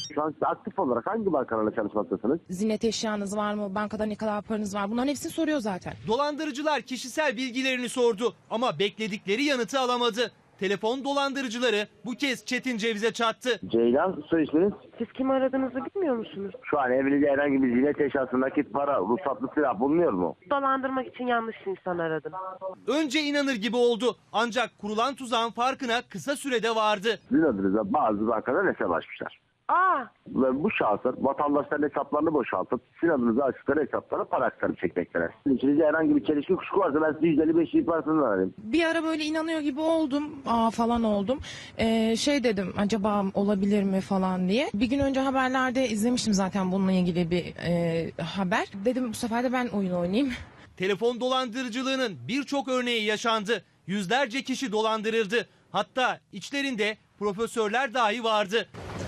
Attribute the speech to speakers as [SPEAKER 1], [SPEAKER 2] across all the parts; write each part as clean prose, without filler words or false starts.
[SPEAKER 1] Şu an aktif olarak hangi bankalarla çalışmaktasınız?
[SPEAKER 2] Ziynet eşyanız var mı? Bankada ne kadar paranız var? Bunların hepsini soruyor zaten.
[SPEAKER 3] Dolandırıcılar kişisel bilgilerini sordu ama bekledikleri yanıtı alamadı. Telefon dolandırıcıları bu kez Çetin Ceviz'e çattı.
[SPEAKER 1] Ceylan, soy isminiz?
[SPEAKER 4] Siz kim aradığınızı bilmiyor musunuz?
[SPEAKER 1] Şu an evinizde herhangi bir ziynet eşyası, nakit para, ruhsatlı silah bulunuyor mu?
[SPEAKER 4] Dolandırmak için yanlış insan aradım.
[SPEAKER 3] Önce inanır gibi oldu ancak kurulan tuzağın farkına kısa sürede vardı.
[SPEAKER 1] Sizin adınıza bazı bankalar hesap açmışlar.
[SPEAKER 4] Aa,
[SPEAKER 1] Ve bu şahıslar vatandaşların hesaplarını boşaltıp sizin adınıza açtıkları hesaplara para aktarıp çekmekteler. İçinizde herhangi bir çelişki kuşku varsa ben size %55 ihbarasını vereyim.
[SPEAKER 2] Bir ara böyle inanıyor gibi oldum. Falan oldum. Dedim acaba olabilir mi falan diye. Bir gün önce haberlerde izlemiştim zaten bununla ilgili bir haber. Dedim bu sefer de ben oyun oynayayım.
[SPEAKER 3] Telefon dolandırıcılığının birçok örneği yaşandı. Yüzlerce kişi dolandırıldı. Hatta içlerinde profesörler dahi vardı.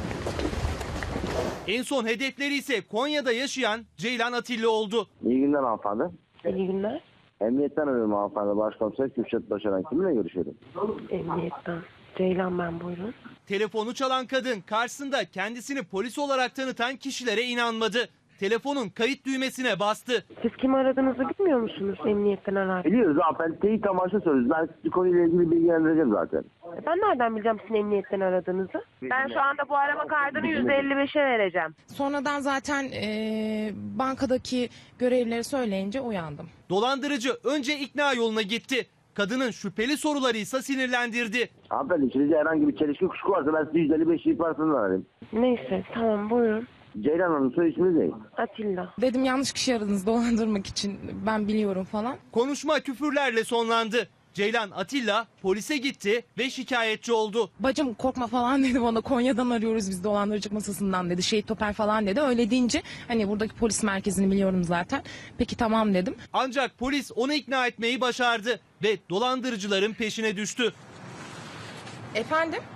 [SPEAKER 3] En son hedefleri ise Konya'da yaşayan Ceylan Atilla oldu.
[SPEAKER 1] İyi günler hanımefendi.
[SPEAKER 4] iyi günler.
[SPEAKER 1] Emniyetten arıyorum hanımefendi. Başkomiser Kürşat Başaran. Kiminle görüşüyorum?
[SPEAKER 4] Emniyetten. Ceylan ben, buyurun.
[SPEAKER 3] Telefonu çalan kadın karşısında kendisini polis olarak tanıtan kişilere inanmadı. Telefonun kayıt düğmesine bastı.
[SPEAKER 4] Siz kim aradığınızı bilmiyor musunuz? Emniyetten arar.
[SPEAKER 1] Biliyoruz hanımefendi. Teyit amaçlı soruyoruz. Ben sizi konuyla ilgili bilgilendireceğim zaten.
[SPEAKER 4] Ben nereden bileceğim sizin emniyetten aradığınızı? Ben şu anda bu arama kaydını %55'e vereceğim.
[SPEAKER 2] Sonradan zaten bankadaki görevlileri söyleyince uyandım.
[SPEAKER 3] Dolandırıcı önce ikna yoluna gitti. Kadının şüpheli soruları ise sinirlendirdi.
[SPEAKER 1] Hanımefendi içinizde herhangi bir çelişki kuşku varsa ben size %55 ihbarasını vereyim.
[SPEAKER 4] Neyse, tamam, buyurun.
[SPEAKER 1] Ceylan Hanım, soy isminiz ne?
[SPEAKER 4] Atilla.
[SPEAKER 2] Dedim yanlış kişi aradınız dolandırmak için. Ben biliyorum falan.
[SPEAKER 3] Konuşma küfürlerle sonlandı. Ceylan Atilla polise gitti ve şikayetçi oldu.
[SPEAKER 2] Bacım korkma falan dedi bana. Konya'dan arıyoruz biz dolandırıcılık masasından dedi. Şehit Toper falan dedi. Öyle deyince hani buradaki polis merkezini biliyorum zaten. Peki tamam dedim.
[SPEAKER 3] Ancak polis onu ikna etmeyi başardı ve dolandırıcıların peşine düştü.
[SPEAKER 2] Efendim?